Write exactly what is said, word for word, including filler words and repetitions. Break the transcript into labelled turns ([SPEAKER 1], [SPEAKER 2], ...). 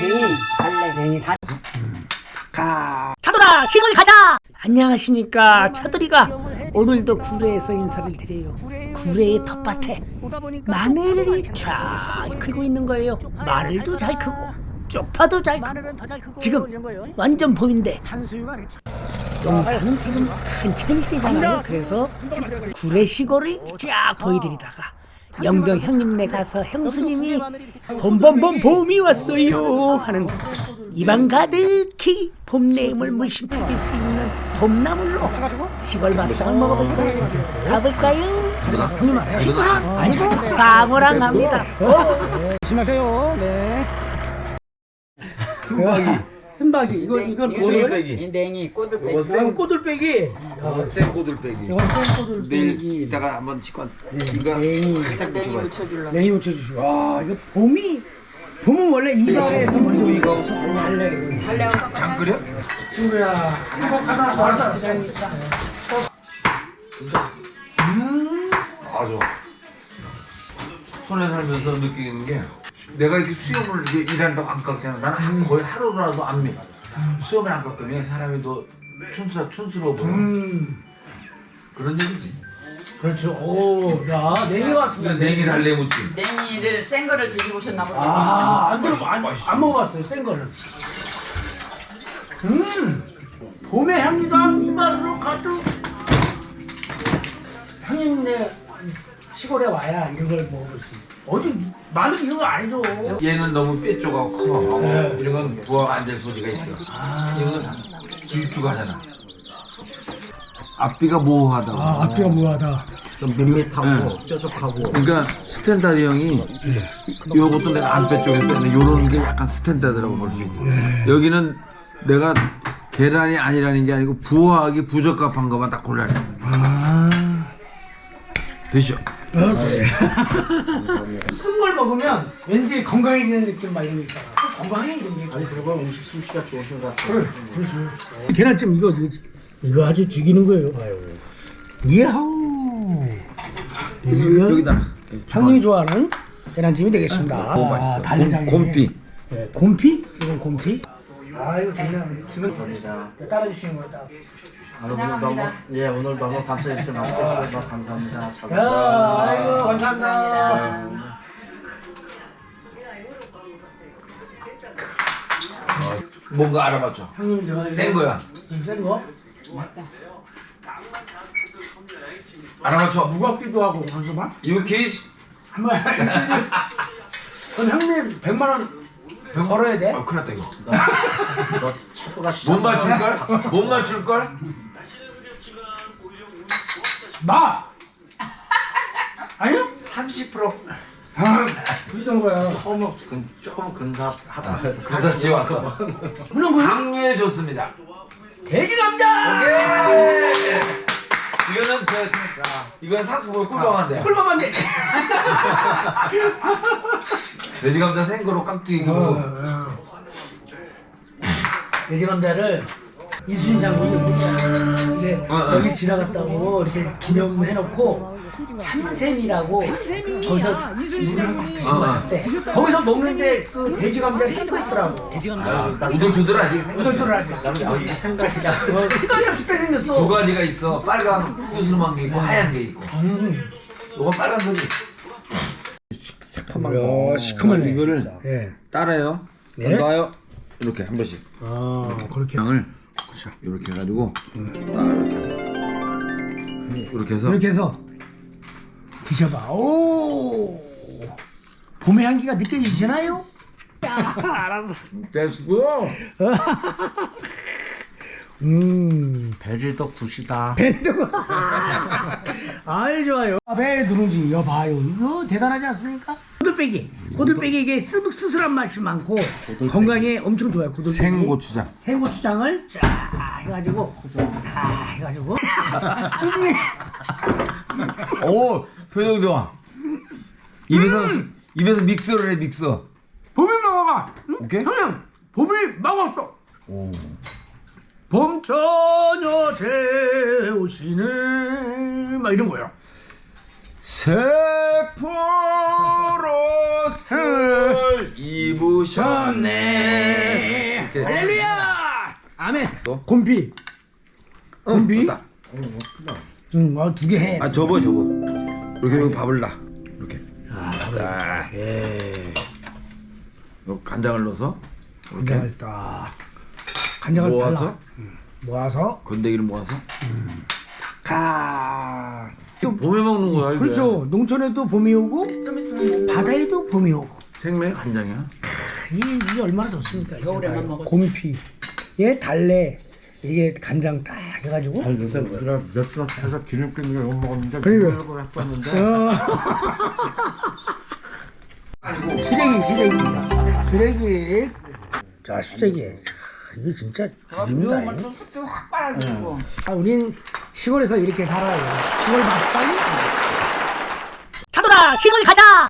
[SPEAKER 1] 달래뱅이, 달래뱅이, 달.
[SPEAKER 2] 가. 차돌아, 시골 가자. 안녕하십니까, 차돌이가 오늘도 구례에서 인사를 드려요. 구례의 텃밭에 마늘이 쫙 크고 있는 거예요. 마늘도 잘 크고 쪽파도 잘 크고 지금 완전 봄인데 농사는 지금 한참 뛰잖아요. 그래서 구례 시골을 쫙 보여드리다가 영덕 형님네 가서 형수님이 봄봄봄 봄이 왔어요 하는 입안 가득히 봄 내음을 물씬 풍길 수 있는 봄나물로 시골 밥상을 먹어볼까요? 가볼까요? 친구랑 아니고 강호랑 갑니다.
[SPEAKER 1] 조심하세요. 네.
[SPEAKER 3] 순박이.
[SPEAKER 1] 순박이. 이거 이건
[SPEAKER 3] 꼬들빼기.
[SPEAKER 1] 냉이, 꼬들빼기.
[SPEAKER 3] 이거 생
[SPEAKER 1] 꼬들빼기.
[SPEAKER 3] 생 꼬들빼기.
[SPEAKER 1] 이건 생
[SPEAKER 3] 내일
[SPEAKER 1] 꼬들빼기.
[SPEAKER 3] 이따가 한번 직관. 이거
[SPEAKER 1] 냉이.
[SPEAKER 3] 살짝 묻혀봐.
[SPEAKER 1] 냉이 묻혀주시고. 와 이거 봄이 봄은 원래 이발에서 먼저
[SPEAKER 3] 이거
[SPEAKER 1] 달래. 달래.
[SPEAKER 3] 장 끓여?
[SPEAKER 1] 친구야. 이거 가다 벌써 디자인이 있다. 음.
[SPEAKER 3] 아주 손에 살면서 느끼는 게 내가 이렇게 수염을 이제 일한다고 안 깎잖아. 나는 한- 거의 하루라도 안 미. 수염을 안 깎으면 사람이 더 촌스러 촌스러워 보여.
[SPEAKER 1] 음.
[SPEAKER 3] 그런 얘기지.
[SPEAKER 1] 그렇죠. 오, 야, 냉이 왔습니다.
[SPEAKER 3] 냉이 달래 묻지.
[SPEAKER 4] 냉이를 센 거를 드셔보셨나 보네요.
[SPEAKER 1] 아, 안 들어, 안,
[SPEAKER 3] 맛있어.
[SPEAKER 1] 안 먹어봤어요, 센 거를. 음, 봄의 향기가 이마로 가득. 형님네 시골에 와야 이런 걸 먹어볼 수 있어요. 어디 마늘 이런 거 아니죠?
[SPEAKER 3] 얘는 너무 뼈조가 커.
[SPEAKER 1] 네.
[SPEAKER 3] 이런 건 부화가 안 될 소리가 있어.
[SPEAKER 1] 아,
[SPEAKER 3] 이건 길쭉하잖아. 앞뒤가 모호하다고.
[SPEAKER 1] 아, 앞뒤가 뭐하다.
[SPEAKER 5] 좀 밋밋하고
[SPEAKER 3] 네.
[SPEAKER 5] 뾰족하고.
[SPEAKER 3] 그러니까 스탠다드 형이 요것도 내가 안 빼쪽에 뺐는데 요런 게 약간 스탠다드라고 볼 수 있지. 여기는 내가 계란이 아니라는 게 아니고 부화하기 부적합한 것만 딱 골라내.
[SPEAKER 1] 아,
[SPEAKER 3] 드셔.
[SPEAKER 1] 쓴 걸 먹으면 왠지 건강해지는 느낌 막 이런 거 있잖아. 건강해지는 느낌.
[SPEAKER 5] 아니 그리고 음식 솜씨가 좋으신 것 같아요.
[SPEAKER 1] 그래, 그렇지. 계란찜 이거 이거, 이거 아주 죽이는 거예요. 이야우. 이거
[SPEAKER 3] 여기다.
[SPEAKER 1] 형님이 좋아하는 계란찜이 되겠습니다.
[SPEAKER 3] 오, 맛있어.
[SPEAKER 1] 달래장에.
[SPEAKER 3] 곰- 곰피.
[SPEAKER 1] 네, 곰피? 이건 곰피? 아 이거 좋네. 기분
[SPEAKER 5] 감사합니다.
[SPEAKER 1] 따라주시는 거다.
[SPEAKER 5] 아, 오늘 너무 예 오늘 너무 감사 이렇게 맛있게 주셔서 감사합니다. 잘
[SPEAKER 1] 야,
[SPEAKER 5] 먹겠습니다.
[SPEAKER 1] 아이고 감사합니다.
[SPEAKER 3] 뭔가 알아맞혀.
[SPEAKER 1] 형님 저
[SPEAKER 3] 센 거야.
[SPEAKER 1] 센 거?
[SPEAKER 3] 알아맞혀.
[SPEAKER 1] 무겁기도 하고 잠시만.
[SPEAKER 3] 이거 케이지.
[SPEAKER 1] 한번 그럼 형님 백만 원 걸어야 돼?
[SPEAKER 3] 아, 큰일 났다 이거.
[SPEAKER 5] 너, 너 차도가 시작.
[SPEAKER 3] 못 맞출걸? 못 맞출걸?
[SPEAKER 1] 마! 아니요?
[SPEAKER 5] 삼십 퍼센트
[SPEAKER 1] 아, 그 정도야.
[SPEAKER 5] 조금 근 조금 근사하다.
[SPEAKER 3] 가사 지워왔어.
[SPEAKER 1] 물론 그
[SPEAKER 3] 강류해 줬습니다.
[SPEAKER 1] 돼지 감자!
[SPEAKER 3] 오케이. 이거는 그 이건 상품으로 꿀밤한데.
[SPEAKER 1] 꿀밤 돼.
[SPEAKER 3] 돼지 감자 생거로 깍두기 그
[SPEAKER 1] 돼지 감자를 이순신 장군이 이게
[SPEAKER 3] 어, 어.
[SPEAKER 1] 여기 지나갔다고 이렇게 기념해놓고 참샘이라고 거기서 물을 한컵 드시고
[SPEAKER 3] 어, 어.
[SPEAKER 1] 가셨대. 거기서 먹는데 그 돼지 감자를 씻고 있더라고. 돼지 감자.
[SPEAKER 3] 우들두들 아직
[SPEAKER 1] 우들두들 하지.
[SPEAKER 5] 나는 여기 생각이다.
[SPEAKER 1] 색깔이 비슷하게 생겼어.
[SPEAKER 3] 두 가지가 있어. 빨간 구슬만 게 있고 하얀 게 있고.
[SPEAKER 1] 음.
[SPEAKER 3] 이건 빨간색이.
[SPEAKER 5] 새콤한
[SPEAKER 1] 거. 시큼하네.
[SPEAKER 3] 이거를
[SPEAKER 1] 예.
[SPEAKER 3] 따라요.
[SPEAKER 1] 네.
[SPEAKER 3] 놔요. 이렇게 한 번씩.
[SPEAKER 1] 아 그렇게.
[SPEAKER 3] 양을 이렇게 해가지고 딱 이렇게 이렇게 해서
[SPEAKER 1] 이렇게 해서 드셔봐. 오. 봄의 향기가 느껴지시나요? 야, 알았어.
[SPEAKER 3] 됐고.
[SPEAKER 1] 음.
[SPEAKER 5] 베리도 굿이다.
[SPEAKER 1] 밴드가. 아이 좋아요. 배 누룽지 여봐요. 이거 대단하지 않습니까? 고들빼기. 고들빼기 이게 스- 스스한 맛이 많고 건강에 엄청 좋아요. 고들빼기.
[SPEAKER 3] 생고추장.
[SPEAKER 1] 생고추장을 쫙 해가지고 다 해가지고 쭈니.
[SPEAKER 3] 오 표정 좋아. 입에서 입에서 믹서를 해 믹서.
[SPEAKER 1] 봄이 먹어가. 응?
[SPEAKER 3] 오케이.
[SPEAKER 1] 형님 봄이 먹었어.
[SPEAKER 3] 오.
[SPEAKER 1] 봄처녀 재오시네 막 이런 거요.
[SPEAKER 3] 세포로스 입으 오셨네. 이렇게.
[SPEAKER 1] 할렐루야. 아멘.
[SPEAKER 3] 또?
[SPEAKER 1] 곰피. 곰피.
[SPEAKER 3] 딱.
[SPEAKER 1] 응, 어, 두 개 해.
[SPEAKER 3] 아 접어 접어. 이렇게 여기 밥을 놔. 이렇게.
[SPEAKER 1] 아,
[SPEAKER 3] 딱.
[SPEAKER 1] 예.
[SPEAKER 3] 요 간장을 넣어서 이렇게
[SPEAKER 1] 간장을 딱. 간장을
[SPEAKER 3] 모아서
[SPEAKER 1] 발라. 응. 모아서.
[SPEAKER 3] 건더기를 모아서.
[SPEAKER 1] 가. 또
[SPEAKER 3] 봄에 먹는 거야 이게.
[SPEAKER 1] 그렇죠. 농촌에도 봄이 오고
[SPEAKER 4] 좀 있으면
[SPEAKER 1] 바다에도 봄이 오고.
[SPEAKER 3] 생맥 간장이야.
[SPEAKER 1] 이게, 이게 얼마나 좋습니까?
[SPEAKER 4] 겨울에만 먹어도.
[SPEAKER 1] 곰피. 예, 달래. 이게 간장 딱 해가지고.
[SPEAKER 5] 아니 요새 우리가 며칠 해서 기름기 있는 거 이거 먹었는데
[SPEAKER 1] 그러니까.
[SPEAKER 5] 그러려고 했었는데
[SPEAKER 1] 어. 시래기, 시래기입니다. 시래기. 자, 시래기. 이게 진짜 죽입니다.
[SPEAKER 4] 묘한 또 쑥쑥 확 빨아주고.
[SPEAKER 1] 아, 우린 시골에서 이렇게 살아요. 시골 밥상이.
[SPEAKER 2] 차돌아 시골 가자.